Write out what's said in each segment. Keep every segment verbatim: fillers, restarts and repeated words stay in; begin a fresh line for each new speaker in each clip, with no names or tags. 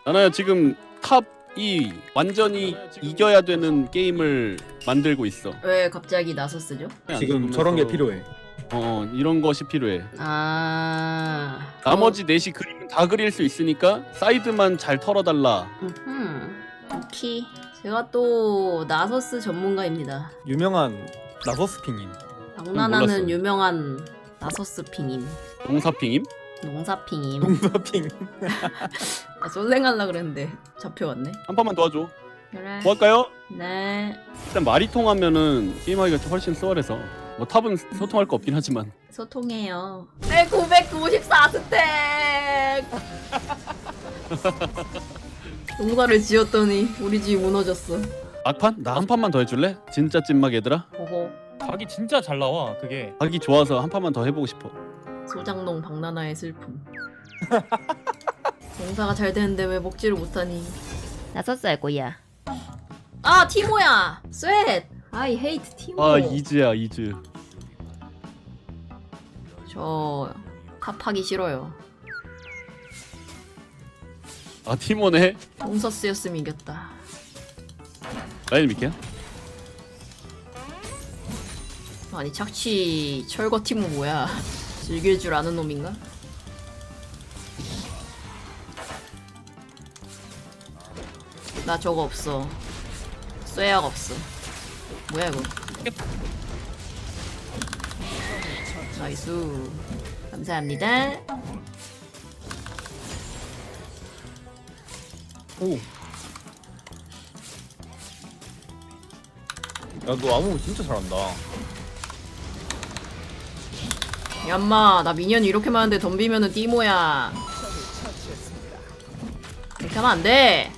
나는 지금 탑이 완전히 이겨야 되는 게임을 만들고 있어.
왜 갑자기 나섰으죠?
지금 저런 게 필요해.
어 이런 것이 필요해.
아.
나머지 넷이 그림은 다 그릴 수 있으니까 사이드만 잘 털어달라.
음. 오케이. 제가 또 나서스 전문가입니다.
유명한 나서스핑인.
장난하는
몰랐어.
유명한 나서스 핑임.
동사핑임?
농사핑임.
동사핑.
아, 솔랭하려 그랬는데 잡혀왔네.
한 판만 도와줘.
그래.
뭐 할까요?
네.
일단 말이 통하면은 게임하기가 좀 훨씬 수월해서 뭐 탑은 소통할 거 없긴 하지만
소통해요. 내 구백구십사 스택. 농사를 지었더니 우리 집이 무너졌어.
막판? 나 한 판만 더 해줄래? 진짜 찐막 얘들아.
보고
각이 진짜 잘 나와 그게.
하기 좋아서 한 판만 더 해보고 싶어.
소장농 박나나의 슬픔. 농사가 잘 되는데 왜 먹지를 못하니? 나섰어 할 거야. 아 티모야. 쇳. I hate 티모.
아 이즈야 이즈.
저 탑하기 싫어요.
아 티모네.
동서스였으면 이겼다.
라인 믿게.
아니 착취 철거 티모 뭐야? 즐길 줄 아는 놈인가? 나 저거 없어. 쇠약 없어. 뭐야 이거? 나이스. 감사합니다.
오. 야 너 아무 진짜 잘한다.
얌마 나 미니언이 이렇게 많은데 덤비면은 띠모야. 이렇게 하면 안 돼.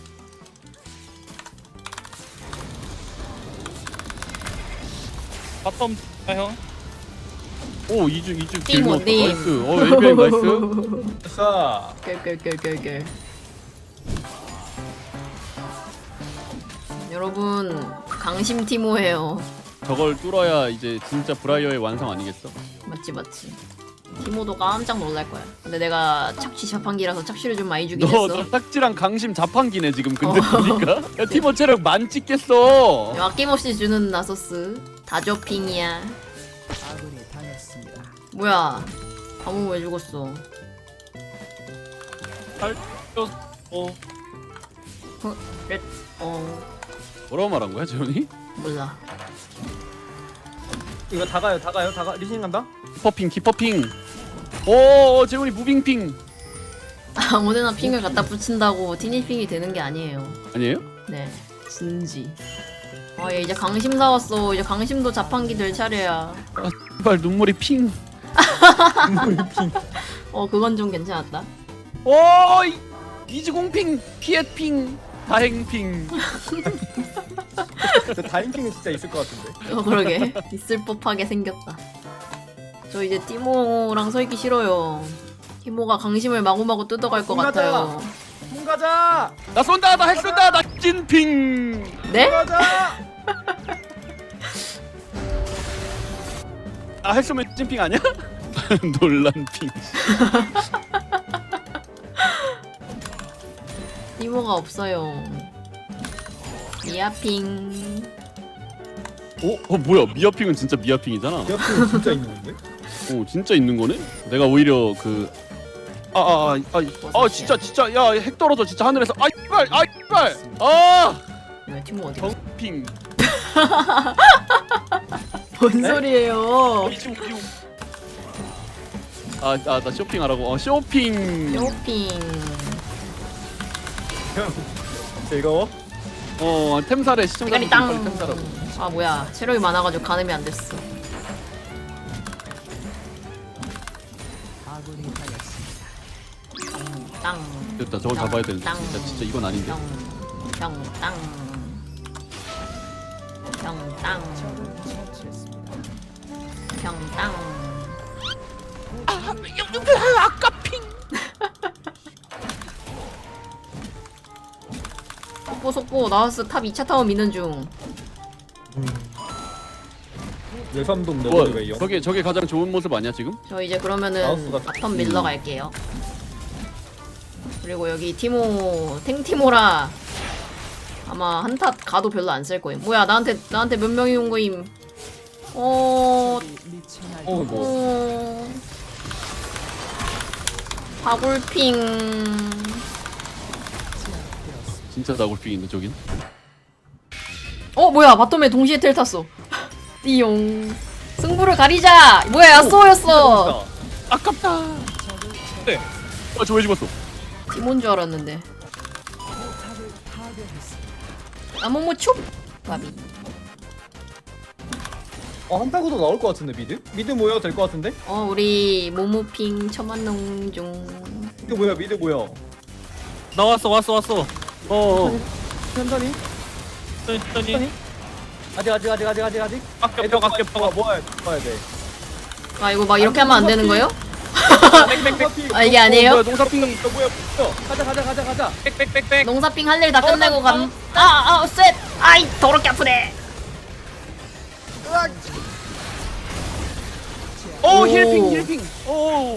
바텀 아 형.
오 이즈 이즈
띠모
길먹었다.
님.
나이스. 어 웨이베이 나이스.
됐어.
끌끌끌끌끌. 여러분 강심 티모예요.
저걸 뚫어야 이제 진짜 브라이어의 완성 아니겠어?
맞지 맞지. 티모도 깜짝 놀랄 거야. 근데 내가 착취 자판기라서 착취를 좀 많이 주긴
너,
했어.
너 딱지랑 강심 자판기네 지금 근데
어.
보니까. 야 티모 체력 만 찍겠어.
아낌없이 주는 나소스 다저핑이야. 뭐야? 아무 왜 죽었어?
어.
그래? 어
뭐라고 말한 거야 재현이?
몰라.
이거 다 가요, 다 가요, 다 가. 리신 간다.
키퍼핑 키퍼핑. 오 재훈이 무빙핑.
아무데나 핑을 갖다 붙인다고 티니핑이 되는 게 아니에요.
아니에요?
네, 진지. 아, 얘 이제 강심 사왔어. 이제 강심도 자판기 될 차례야.
아 제발 눈물이 핑.
어, 그건 좀 괜찮았다.
오 이- 이즈공핑 피엣핑 다행핑.
저 다인킹은 진짜 있을 것 같은데.
어, 그러게. 있을 법하게 생겼다. 저 이제 티모랑 서 있기 싫어요. 티모가 강심을 마구마구 뜯어갈 것
가자.
같아요.
문 가자.
나 쏜다 나 핵쏜다 나 찐핑.
네?
문 가자.
아 핵쏘면 찐핑 아니야? 논란핑.
티모가 없어요. 미아핑.
어? 어 뭐야 미아핑은 진짜 미아핑이잖아.
옆에 진짜 있는 건데?
오 진짜 있는 거네? 내가 오히려 그 아 아 아 아 진짜 진짜 야 핵 떨어져 진짜 하늘에서 아 이발 아 이발 아
왜 티모 어디 갔어?
덩핑.
뭔 소리예요?
아나 쇼핑하라고. 어 쇼핑.
쇼핑.
즐거워?
어 템사래
대가리
시청자분들
땅.
빨리 템사라고.
아 뭐야? 체력이 많아가지고 가늠이 안 됐어. 땅.
됐다 저걸
땅,
잡아야 되는데
땅.
진짜 진짜 이건 아닌데.
땅. 땅. 땅. 땅. 땅. 땅.
아 아까 핑.
속보 속보 나와서 탑 이 차 타워 미는 중.
열삼동
뭐
너구리 왜 영?
저게 저게 가장 좋은 모습 아니야 지금?
저 이제 그러면은
마우스가
바텀 밀러 갈게요. 그리고 여기 티모 탱티모라 아마 한타 가도 별로 안 쓸 거임. 뭐야 나한테 나한테 몇 명이 온 거임. 어...
어 뭐.
어... 바굴핑.
진짜 나골핑인데 저긴.
어 뭐야 바텀에 동시에 텔 탔어. 띠용. 승부를 가리자. 뭐야 야쏘였어.
아깝다.
네.
아, 저 왜 죽었어?
티몬 줄 알았는데. 아모모 촉. 바비.
어 한타고도 나올 것 같은데 미드? 미드 모여 될 것 같은데?
어 우리 모모핑 첨한농중.
미드 모여 미드 모여.
나 왔어 왔어 왔어.
어. 어.
천천히.
천천히.
천천히. 아직 아직 아직 아직 아직 아직.
아껴 펴 아껴 펴.
모아야 모아야 돼.
아 이거 막 이렇게 하면 안 되는 거예요?
백백백.
아 이게 아니에요?
뭐야, 농사핑.
너 뭐야? 뭐야? 가자 가자 가자 가자.
빽빽빽빽.
농사핑 할 일 다 끝내고 감. 아아 셋. 아이 더럽게 아프네.
오,
오.
힐핑 힐핑. 오.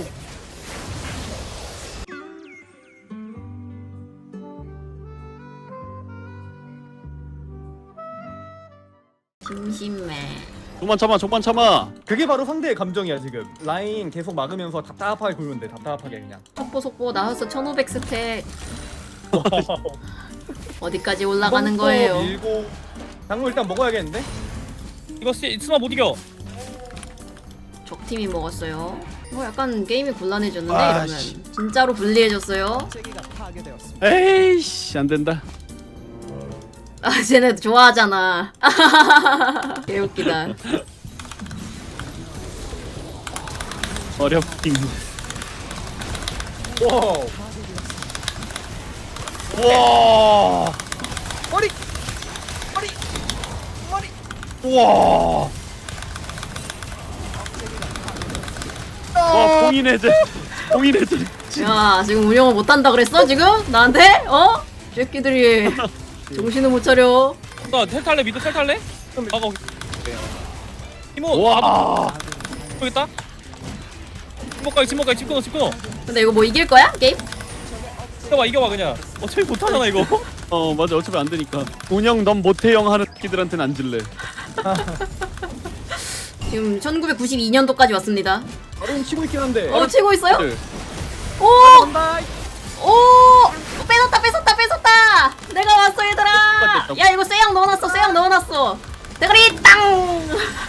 심심해.
조만 참아, 조만 참아.
그게 바로 상대의 감정이야 지금. 라인 계속 막으면서 답답하게 굴면 돼. 답답하게 그냥.
속보 속보 나와서 천오백 스택. 어디까지 올라가는 거예요?
밀고. 당근 일단 먹어야겠는데?
이거 시 스마 못 이겨.
적팀이 먹었어요. 뭐 약간 게임이 곤란해졌는데
아,
이러면
씨.
진짜로 불리해졌어요.
에이씨, 안 된다.
아 쟤네 좋아하잖아. 개웃기다.
어렵핑.
와우.
와.
머리.
와. 와, 봉인해제. 봉인해제.
야 지금 운영을 못한다 그랬어 지금? 나한테? 어? 새끼들이 정신을 못 차려.
나 텔탈래 미드 텔탈래? 아가. 이모.
와.
여기 있다. 침묵가기 침묵가기 집 끊어 집 끊어.
근데 이거 뭐 이길 거야? 게임?
이겨봐 이겨봐 그냥. 어차피 못하잖아 이거.
어, 맞아. 어차피 안 되니까. 운영 넌 못해영 하는 새끼들한테는 안 질래.
지금 천구백구십이 년도까지 왔습니다.
바로 치고 있긴 한데.
어 치고 있어요?
네.
오!
간다.
오! 뺏었다 뺏었다 뺏었다! 내가 왔어 얘들아!
뺏었다.
야 이거 쎄양 넣어놨어 쎄양 넣어놨어! 대가리 땅!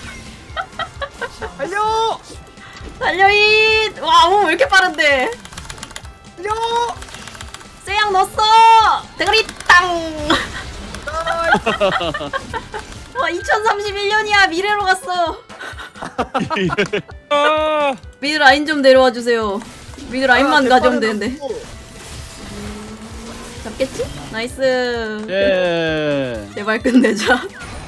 달려.
달려잇! 와, 오, 왜 이렇게 빠른데?
달려.
쎄양 넣었어! 대가리 땅! 와, 이천삼십일 년이야. 미래로 갔어.
아.
미드 라인 좀 내려와 주세요. 미드 라인만
아,
가져오면
대파는
되는데.
없고.
잡겠지? 나이스.
예.
제발 끝내자.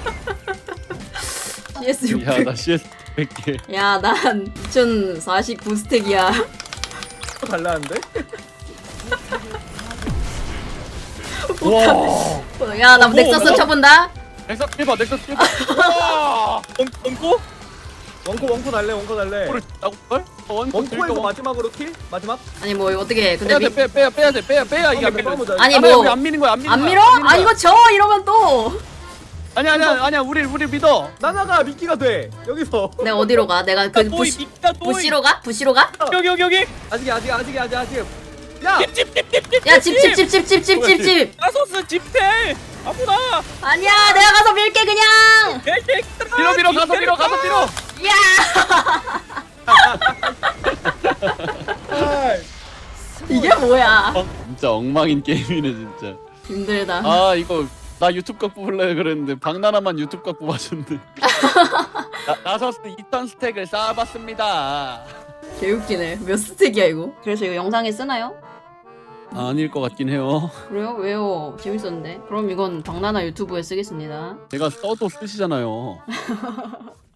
씨에스
야,
육백.
나 씨에스 백 개.
야, 난 이천사십구 스택이야.
또 달라는데?
와.
야, 나
어,
넥서스
뭐,
쳐본다.
넥서스 일 봐, 넥서스 일 봐. 와.
엉고?
원코 원코 달래 원코 달래.
뭐를 나고 걸? 원.
원코에서 마지막으로 킬? 마지막?
아니 뭐 어떻게? 근데
빼야 돼,
미...
빼야 빼야 빼야 돼, 빼야 빼야 이게 안
몇
밀어.
번 보자.
아니,
아니야,
뭐-
우리 안 미는 거야, 안 미는
안
거야.
밀어?
안 미는
아
거야.
이거 져 이러면 또.
아니야, 아니야, 아니야. 우리 우리 믿어.
나나가 미끼가 돼. 여기서.
내가 어디로 가? 내가 그
또이
부시
미끼다 또이.
부시로 가? 부시로 가?
여기 여기 여기.
아직 아직 아직 아직 아직. 야.
집집집집.
야 집 집 집 집 집 집 집 집.
나서스 집텔. 아무나.
아니야 내가 가서 밀게 그냥.
밀어 밀어 가서 밀어 가서 밀어.
야
아이.
이게 뭐야?
진짜 엉망인 게임이네 진짜.
힘들다.
아 이거 나 유튜브 각 뽑을래 그랬는데 박나나만 유튜브 각 뽑아줬는데. 나서스 이천 스택을 쌓아봤습니다.
개웃기네. 몇 스택이야 이거? 그래서 이거 영상에 쓰나요?
아닐 것 같긴 해요.
그래요? 왜요? 재밌었는데. 그럼 이건 박나나 유튜브에 쓰겠습니다.
제가 써도 쓰시잖아요.